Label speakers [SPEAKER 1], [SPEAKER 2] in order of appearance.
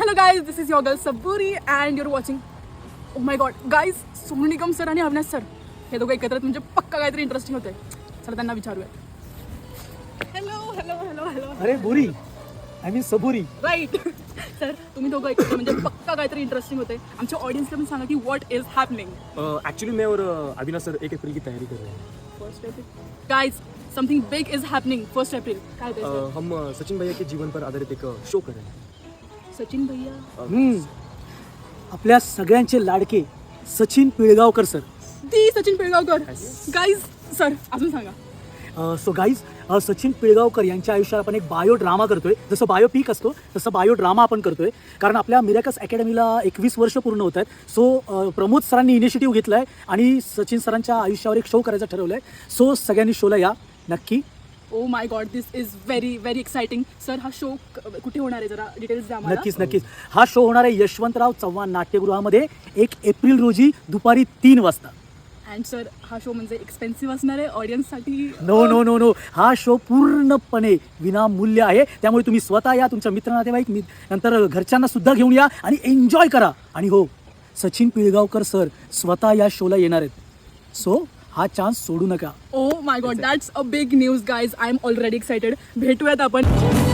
[SPEAKER 1] Hello guys, this is your girl Saburi and you're watching. Oh my god, guys, Sonu Nigam sir आणि Avinash sir हे दोघं एकत्र म्हणजे पक्का काहीतरी इंटरेस्टिंग होतंय. चला त्यांना विचारूया. Hello hello hello hello.
[SPEAKER 2] अरे बुरी I mean Saburi.
[SPEAKER 1] Right sir, तुम्ही दोघं एकत्र म्हणजे पक्का काहीतरी इंटरेस्टिंग होतंय. आमच्या ऑडियन्सला पण सांगा की व्हॉट इज हॅपनिंग.
[SPEAKER 3] एक्चुअली मैं और अविनाश सर 1 अप्रैल की तैयारी कर रहे हैं.
[SPEAKER 1] First April guys, something big is happening. First April काय ते
[SPEAKER 3] हम सचिन भैया के जीवन पर आधारित एक शो कर रहे हैं.
[SPEAKER 1] सचिन भैया.
[SPEAKER 2] आपल्या सगळ्यांचे लाडके Sachin Pilgaonkar sir.
[SPEAKER 1] The Sachin Pilgaonkar. Guys sir अजून सांगा.
[SPEAKER 2] सो गाईज सचिन पिळगावकर यांच्या आयुष्यात आपण एक बायो ड्रामा करतोय. जसं बायोपिक असतो तसं बायो ड्रामा आपण करतोय, कारण आपल्या मिरॅकल्स अकॅडमीला 21 वर्ष पूर्ण होत आहेत. सो प्रमोद सरांनी इनिशिएटिव्ह घेतला आहे आणि सचिन सरांच्या आयुष्यावर एक शो करायचं ठरवलं आहे. सो सगळ्यांनी शोला या नक्की.
[SPEAKER 1] Oh my god, this is very very exciting. Sir हा शो कुठे होणार आहे, जरा डिटेल्स द्या मला.
[SPEAKER 2] नक्कीच. हा शो होणार आहे यशवंतराव चव्हाण नाट्यगृहामध्ये 1 एप्रिल रोजी दुपारी 3 वाजता.
[SPEAKER 1] अँड सर हा शो म्हणजे एक्सपेन्सिव्ह असणार आहे ऑडियन्ससाठी?
[SPEAKER 2] नो. हा शो पूर्णपणे विनामूल्य आहे. त्यामुळे तुम्ही स्वतः या, तुमच्या मित्र नातेवाईक नंतर घरच्यांना सुद्धा घेऊन या आणि एन्जॉय करा. आणि हो, सचिन पिळगावकर सर स्वतः या शोला येणार आहेत. सो हा चान्स सोडू नका.
[SPEAKER 1] Oh my god, that's a big news guys. I am already excited. भेटूयात आपण.